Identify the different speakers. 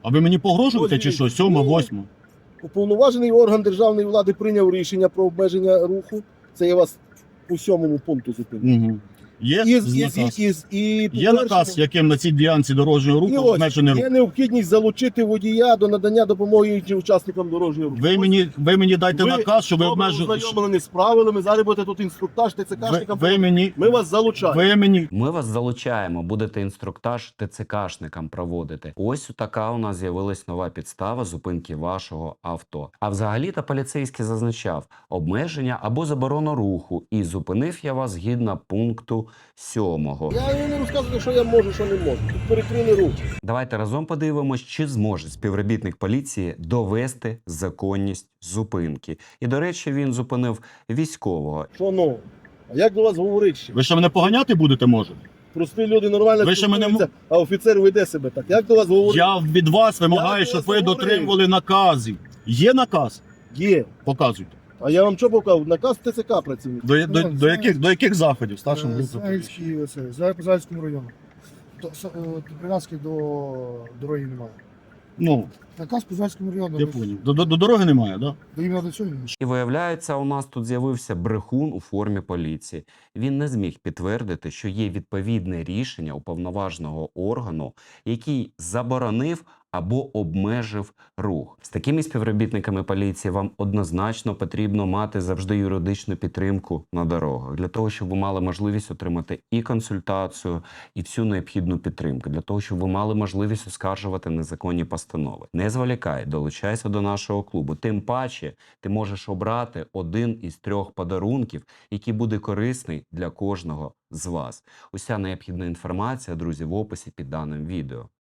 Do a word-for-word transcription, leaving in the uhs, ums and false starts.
Speaker 1: А ви мені погрожуєте чи що? Сьома, восьма?
Speaker 2: Уповноважений орган державної влади прийняв рішення про обмеження руху. Це я вас по сьомому пункту зупинив.
Speaker 1: Угу. Є
Speaker 2: І, і,
Speaker 1: наказ?
Speaker 2: і, і, і,
Speaker 1: Є наказ, яким на цій ділянці дорожнього
Speaker 2: і
Speaker 1: руху
Speaker 2: ось,
Speaker 1: обмежений рух.
Speaker 2: є необхідність залучити водія до надання допомоги іншим учасникам дорожнього руху.
Speaker 1: Ви мені, ви мені дайте
Speaker 2: Ви
Speaker 1: наказ, що ви
Speaker 2: добре
Speaker 1: обмежуєте.
Speaker 2: ознайомлені з правилами, зараз будете тут інструктаж
Speaker 1: Ви,
Speaker 2: ТЦКшникам.
Speaker 1: ви мені,
Speaker 2: Ми вас залучаємо.
Speaker 1: ви мені
Speaker 3: Ми вас залучаємо, будете інструктаж ТЦКшникам проводити. Ось така у нас з'явилась нова підстава зупинки вашого авто. А взагалі-то поліцейський зазначав обмеження або заборону руху, і зупинив я вас згідно пункту сьомого.
Speaker 2: Я не розказую, що я можу, що не можу. Тут перекрили рух.
Speaker 3: Давайте разом подивимось, чи зможе співробітник поліції довести законність зупинки. І, до речі, він зупинив військового.
Speaker 2: Що ну? А як до вас говорить ще?
Speaker 1: ви що мене поганяти будете, може?
Speaker 2: Прості люди нормально
Speaker 1: Ви ще мене
Speaker 2: спілкуються, а офіцер веде себе так. Як до вас говорить?
Speaker 1: Я від вас вимагаю,
Speaker 2: Я
Speaker 1: щоб
Speaker 2: вас
Speaker 1: ви
Speaker 2: говорив.
Speaker 1: дотримували наказів. Є наказ?
Speaker 2: Є.
Speaker 1: Показуйте.
Speaker 2: А я вам що показав? Наказ ТЦК працівник.
Speaker 1: До, до, до, яких, до яких заходів? Старшим групам?
Speaker 4: Загальський, оце, за Зальському району. То, со- е, прив'язки до дороги немає.
Speaker 1: Ну,
Speaker 4: Наказ по Зальському району.
Speaker 1: я поняв. До, до, до дороги немає, так? Да?
Speaker 4: До іменно до цього. ні.
Speaker 3: І виявляється, у нас тут з'явився брехун у формі поліції. Він не зміг підтвердити, що є відповідне рішення уповноваженого органу, який заборонив або обмежив рух. З такими співробітниками поліції вам однозначно потрібно мати завжди юридичну підтримку на дорогах, для того, щоб ви мали можливість отримати і консультацію, і всю необхідну підтримку, для того, щоб ви мали можливість оскаржувати незаконні постанови. Не зволікай, долучайся до нашого клубу. Тим паче, ти можеш обрати один із трьох подарунків, який буде корисний для кожного з вас. Уся необхідна інформація, друзі, в описі під даним відео.